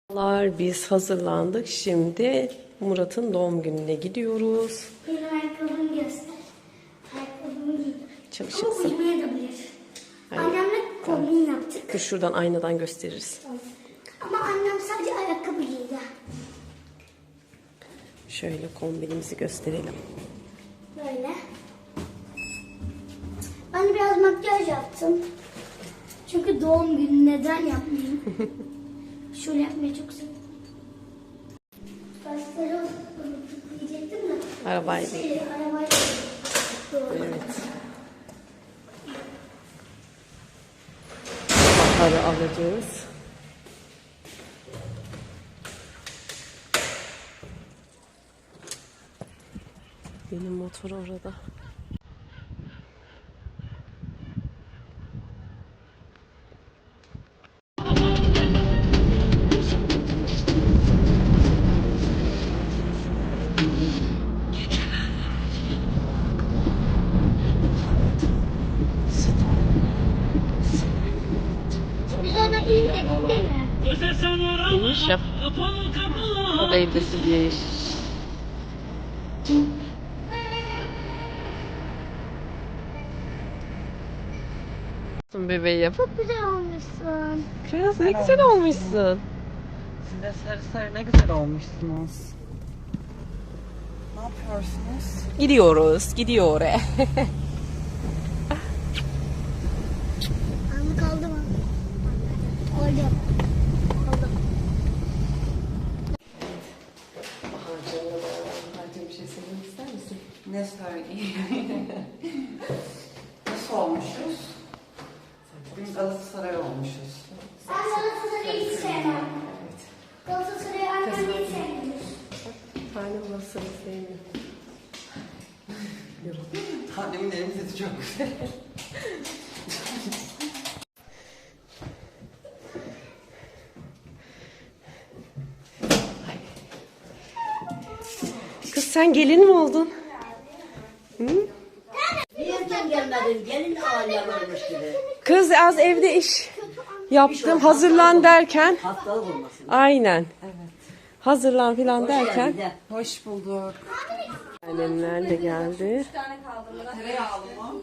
Biz hazırlandık. Şimdi Murat'ın doğum gününe gidiyoruz. Benim ayakkabımı göster. Ayakkabımı giydim. Ama Çalışırsın. uyumayabilir. Hayır. Annemle kombin yaptık. Dur şuradan aynadan gösteririz. Ama annem sadece ayakkabı giydi. Şöyle kombinimizi gösterelim. Böyle. Ben biraz makyaj yaptım. Çünkü doğum günü neden yapmayayım? Şöyle yapmayı çok seviyorum. Saçları diyecektim de. Arabayla. Arabayla. Doğru. Evet. Baharı alacağız. Benim motor orada. Biz ona iyi de İniş yap. O da evdesi diye. Bebeğim. Çok güzel olmuşsun. Kız ne güzel olmuşsun. Siz de sarı sarı ne güzel olmuşsunuz. Ne yapıyorsunuz? Gidiyor. Anı kaldı mı? Oldu. Oldu. Bahar'cığım bir şey söylemek ister misin? Ne söyleyeyim? Nasıl olmuşuz? Bugün Galatasaray olmuşuz. Ben Galatasaray'ı hiç sevmem. Galatasaray'ı annem hiç sevmiyor. Tane bulasını sevmiyorum. Annemin elim sesi çok güzel. Kız sen gelin mi oldun? Niye gelmedin? Gelin ağırlayan olmuş gibi. Kız az evde iş yaptım hazırlan derken. Hastalık olmasın. Aynen. Hazırlan filan derken. Gel. Hoş bulduk. Annemler de geldi. Tereyağlı mı?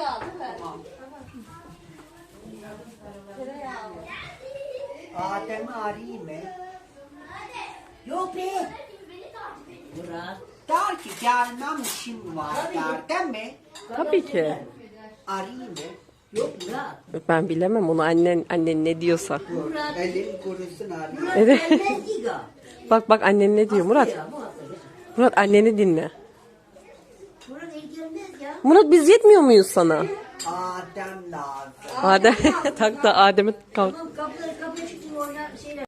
Adem arayayım mı? Yok be. Murat. Der ki gelmem işim var der değil mi? Tabii ki. Arayayım mı? Yok Murat. Ben bilemem onu annen ne diyorsa. Murat. Elim kurusun arayayım. Murat Evet. gelmez diga. Bak annen ne diyor Murat. Ya, Murat. Murat anneni dinle. Murat el gelmez ya. Murat biz yetmiyor muyuz sana? Adem lazım. Adem tak da Adem'e kalk. Tamam kapıya çıktım oradan şeyler.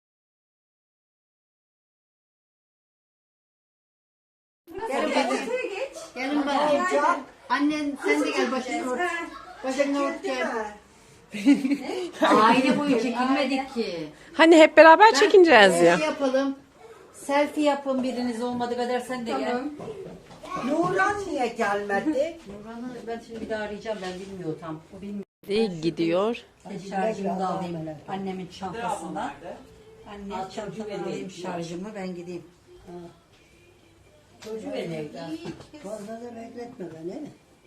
Gelin bakayım. Gelin bakayım. Annen sen de gel başını ört. Başını ört gel. Aile boyu çekilmedik ki. Hani hep beraber çekineceğiz ya. Şey yapalım. Selfie yapın biriniz olmadı kadar sen de gel. Nurhan niye gelmedi? Nurhan'ı ben şimdi bir daha arayacağım ben bilmiyor tam. O bilmiyor. İyi gidiyor. Şarjımı da alayım annemin çantasından. Anne çantamı alayım şarjımı ben gideyim. Çocuğu evden. Fazla da bekletme beni.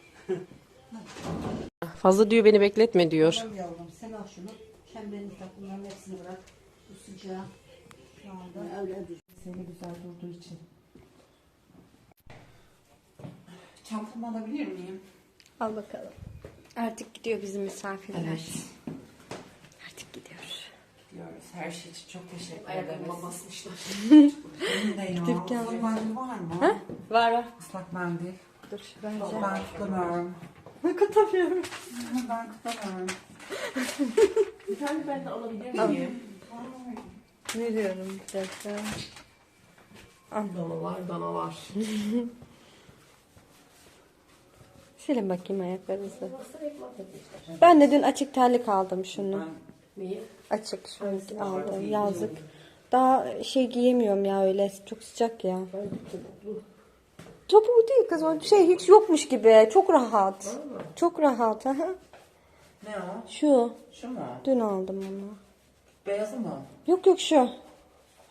Fazla diyor beni bekletme diyor. Tamam yavrum sen al şunu. Çemberini tak bunların hepsini bırak. Bu sıcağı. Şu anda öyle Seni güzel durduğu için. Çantamı alabilir miyim? Al bakalım. Artık gidiyor bizim misafirler. Artık gidiyor. Diyoruz. Her şey için çok teşekkür ederiz. Ayakkabıma basmışlar. Benim de yok. Islak mendil var mı? Var. Islak mendil. Dur ben Ben tutamıyorum. katamıyorum. Ben tutamıyorum. Bir tane ben de alabilir miyim? Veriyorum bir dakika. Dana var. Silin bakayım ayaklarınızı. Ben de dün açık terlik aldım şunu. Neyi? Açık şunu aldım yazlık. Daha şey giyemiyorum ya öyle çok sıcak ya. Topuğu değil kız o şey hiç yokmuş gibi çok rahat. Çok rahat. Ne o? Şu Şu mu? dün aldım onu. Beyazı mı? Yok şu.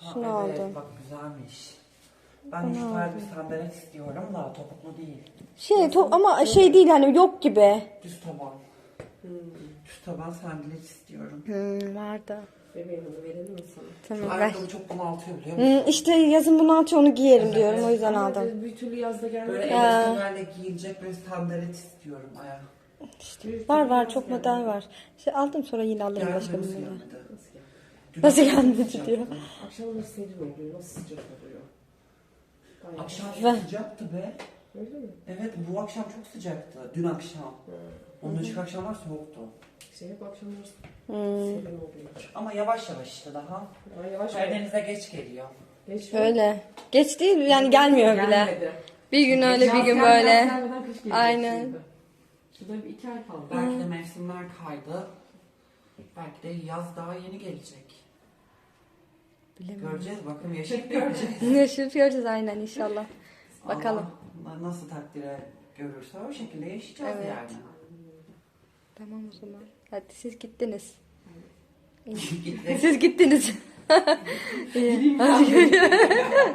Şunu evet, aldım. bak güzelmiş. Ben şu tarz bir sandalet istiyorum da topuklu değil. Ama şey değil hani yok gibi. Düz taban. Düz taban sandalet istiyorum. Vardı. Bebeğim onu verelim mi sana? Şu Tamam ver. ayakkabı çok bunaltıyor biliyor musun? İşte yazın bunu atıyor onu giyerim diyorum o yüzden aldım. Bir türlü yazda gelmedi. Böyle elastilerle giyilecek bir sandalet istiyorum ayak. Var çok model var. İşte aldım sonra yine alırım başka bir Gelmedi, model. gelmedi. Dün Nasıl akşam gelmedi sıcaktı. diyor. Akşamları serin oluyor. Nasıl sıcak oluyor? Akşam Ver. çok sıcaktı be. Öyle mi? Evet bu akşam çok sıcaktı. Dün akşam. Ondan önceki akşamlar soğuktu. İşte hep akşamları serin oluyor. Ama yavaş yavaş işte daha. Ama yavaş yavaş. Karadeniz'e geç geliyor. Geçmiyor. Öyle. Geç değil yani gelmiyor bile. Gelmedi. Bir gün öyle bir Yaz gün gelmeden böyle. gelmeden kış gelecek Aynen. şimdi. Şurada bir 2 ay kaldı. Belki de mevsimler kaydı. Belki de yaz daha yeni gelecek. Göreceğiz bakalım yaşayıp göreceğiz. Yaşayıp göreceğiz aynen inşallah. Bakalım. Allah nasıl takdire görürse o şekilde yaşayacağız Evet. yani. Tamam o zaman. Hadi siz gittiniz. Gittik. Siz gittiniz. İyi. Hadi görüşürüz.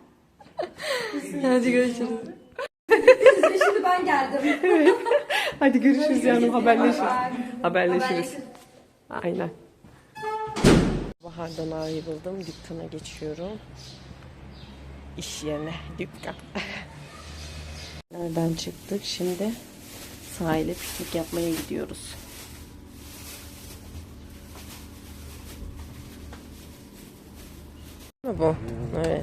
Hadi görüşürüz. Şimdi ben geldim. Hadi görüşürüz canım. Haberleşiriz. Aynen. Bahar'dan ayrıldım. Dükkana geçiyorum. İş yerine. Dükkan. Nereden çıktık? Şimdi sahile piknik yapmaya gidiyoruz. Bu. Evet.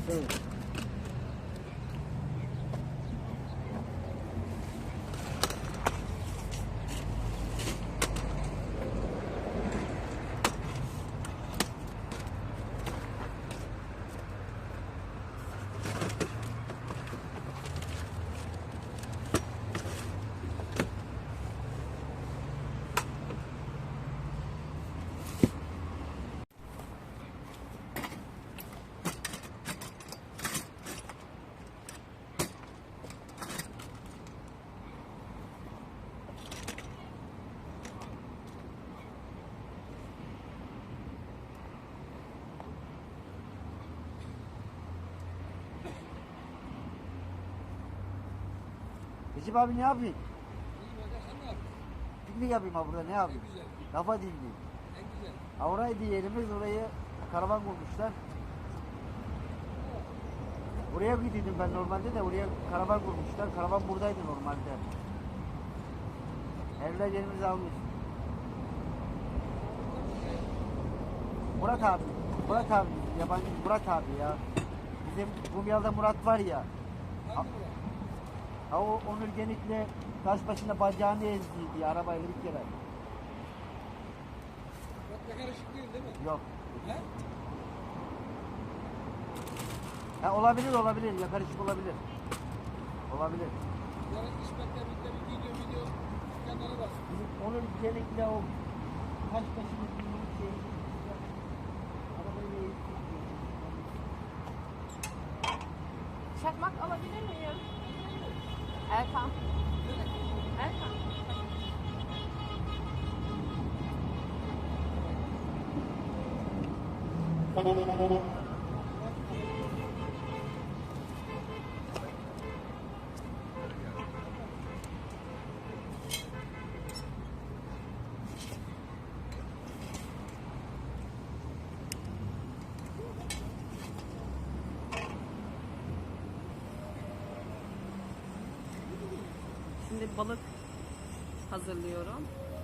Recep abi ne yapayım? Piknik yapayım ha burada ne yapayım? Kafa dinleyeyim. Ha oraydı yerimiz orayı karavan kurmuşlar. Oraya gidiyordum ben normalde de oraya karavan kurmuşlar. Karavan buradaydı normalde. Evler yerimizi almış. Murat abi. Murat abi. Yabancı Murat abi ya. Bizim Kumyal'da Murat var ya. Ha o Onur Genik'le taş başında bacağını ezdiydi arabayla bir kere. Karışık değil değil mi? Yok. He? Ha olabilir ya karışık olabilir. Olabilir. Yarın İsmet'le birlikte bir video kanalı var. Bizim Onur Genik'le o taş başında bir şey. Arabayla ezdiydi. Çakmak alabilir miyim? Erkan. Erkan. Şimdi balık hazırlıyorum.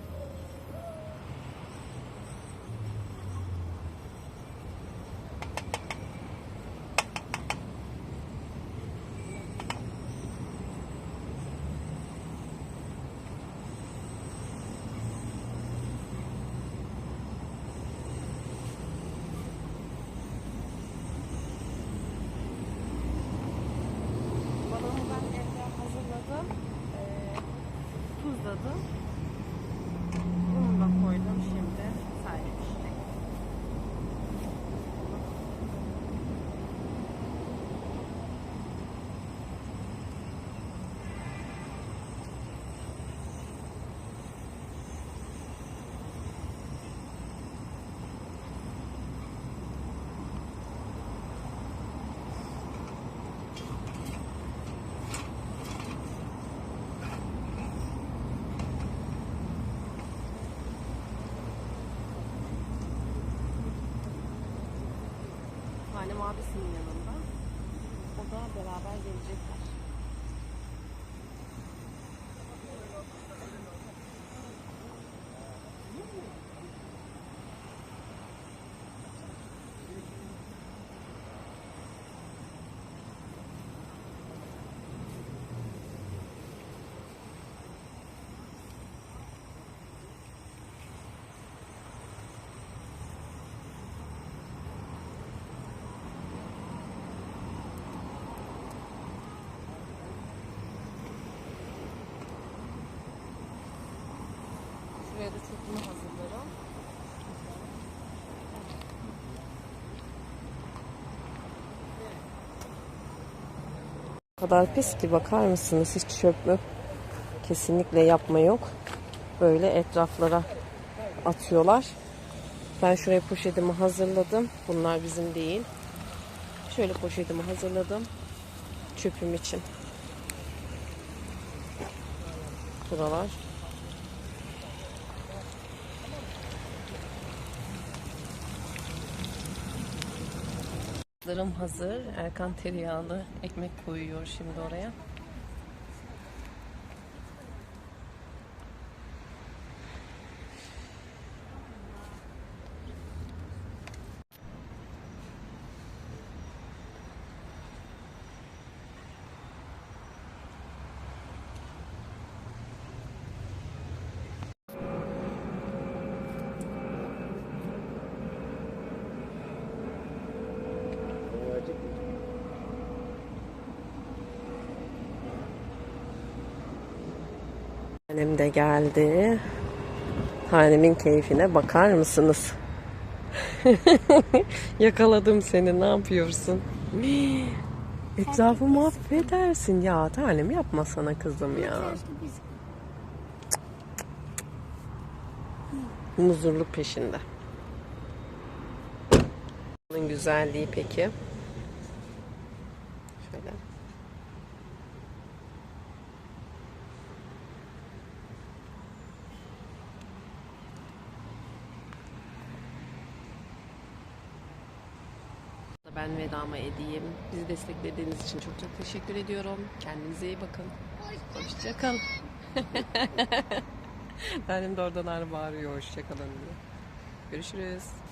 Balığımı ben evde hazırladım. Tuzladım. Bunu da koydum şimdi. Sadece pişecek. Tanem abisinin yanında. O da beraber gelecekler. Şuraya da çöpümü hazırlarım. O kadar pis ki bakar mısınız? Hiç çöp mü? Kesinlikle yapma yok. Böyle etraflara atıyorlar. Ben şuraya poşetimi hazırladım. Bunlar bizim değil. Şöyle poşetimi hazırladım. Çöpüm için. Buralar. Larım hazır. Erkan tereyağlı ekmek koyuyor şimdi oraya. Annem de geldi. Tanemin keyfine bakar mısınız? Yakaladım seni. Ne yapıyorsun? Etrafı mahvedersin ya. Tanem yapma sana kızım ya. Muzurluk peşinde. Bunun güzelliği peki. Şöyle. Ben vedama edeyim. Bizi desteklediğiniz için çok çok teşekkür ediyorum. Kendinize iyi bakın. Hoşçakalın. Benim de oradan bağırıyor hoşçakalın diye. Görüşürüz.